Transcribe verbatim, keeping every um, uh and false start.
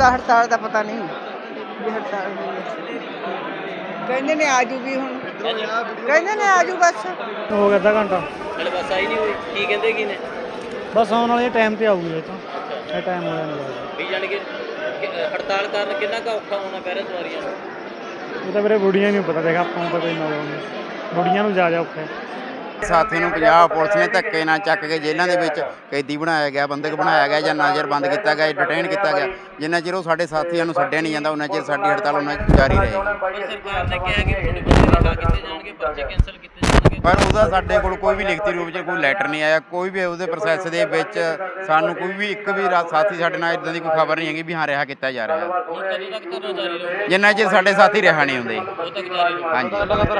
ਦਾ ਹੜਤਾਲ ਦਾ ਪਤਾ ਨਹੀਂ ਵੀ ਹੜਤਾਲ ਹੋਈ ਹੈ। ਕਹਿੰਦੇ ਨੇ ਆ ਜੂਗੀ ਹੁਣ, ਕਹਿੰਦੇ ਨੇ ਆ ਜੂ ਬਸ। ਹੋ ਗਿਆ ਅੱਧਾ ਘੰਟਾ ਹਲੇ ਬੱਸ ਆਈ ਨਹੀਂ ਹੋਈ, ਕੀ ਕਹਿੰਦੇ ਕੀ ਨੇ? ਬਸ ਆਉਣ ਵਾਲੇ ਟਾਈਮ ਤੇ ਆਊਗੀ ਇਹ ਤਾਂ ਇਹ ਟਾਈਮ ਹੋ ਜਾਣਾ ਵੀ ਜਾਣੀ ਕਿ ਕਿ ਹੜਤਾਲ ਕਾਰਨ ਕਿੰਨਾ ਕੁ ਔਖਾ ਹੋਣਾ ਪੈ ਰਿਹਾ ਸਵਾਰੀਆਂ ਨੂੰ? ਇਹ ਤਾਂ ਵੀਰੇ ਬੁੜੀਆਂ ਨੂੰ ਪਤਾ ਦੇਗਾ, ਆਪਾਂ ਨੂੰ ਤਾਂ ਕੋਈ ਨੌਲੇਜ ਨਹੀਂ। ਬੁੜੀਆਂ ਨੂੰ ਜਾ ਜਾ ਔਖਾ ਹੈ। ਸਾਥੀ ਨੂੰ ਪੰਜਾਬ ਪੁਲਿਸ ਨੇ ਧੱਕੇ ਨਾਲ ਚੱਕ ਕੇ ਜੇਲ੍ਹਾਂ ਦੇ ਵਿੱਚ ਕੈਦੀ ਬਣਾਇਆ ਗਿਆ, ਬੰਦਕ ਬਣਾਇਆ ਗਿਆ ਜਾਂ ਨਜ਼ਰਬੰਦ ਕੀਤਾ ਗਿਆ, ਡਿਟੇਨ ਕੀਤਾ ਗਿਆ। ਜਿੰਨਾ ਚਿਰ ਉਹ ਸਾਡੇ ਸਾਥੀਆਂ ਨੂੰ ਛੱਡਿਆ ਨਹੀਂ ਜਾਂਦਾ ਉਹਨਾਂ ਚਿਰ ਸਾਡੀ ਹੜਤਾਲ ਉਹਨਾਂ ਜਾਰੀ ਰਹੇਗੀ। ਪਰ ਸਰਕਾਰ ਨੇ ਕਿਹਾ ਕਿ ਤੁਹਾਡੇ ਬੰਦੇ ਰਿਹਾਅ ਕੀਤੇ ਜਾਣਗੇ, ਪਰਚੇ ਕੈਂਸਲ ਕੀਤੇ ਜਾਣਗੇ, ਪਰ ਉਹਦਾ ਸਾਡੇ ਕੋਲ ਕੋਈ ਵੀ ਲਿਖਤੀ ਰੂਪ 'ਚ ਕੋਈ ਲੈਟਰ ਨਹੀਂ ਆਇਆ। ਕੋਈ ਵੀ ਉਹਦੇ ਪ੍ਰੋਸੈਸ ਦੇ ਵਿੱਚ ਸਾਨੂੰ ਕੋਈ ਵੀ ਇੱਕ ਵੀ ਰਾ- ਸਾਥੀ ਸਾਡੇ ਨਾਲ ਇਦਾਂ ਦੀ ਕੋਈ ਖਬਰ ਨਹੀਂ ਹੈਗੀ ਵੀ ਹਾਂ ਰਿਹਾ ਕੀਤਾ ਜਾ ਰਿਹਾ। ਹੁਣ ਕਦੋਂ ਤੱਕ ਧਰਨਾ ਜਾਰੀ ਰਹੂਗਾ? ਜਿੰਨਾ ਚਿਰ ਸਾਡੇ ਸਾਥੀ ਰਿਹਾ ਨਹੀਂ ਹੁੰਦੇ। ਉਦੋਂ ਤੱਕ ਜਾਰੀ ਰਹੂਗਾ। ਹਾਂਜੀ।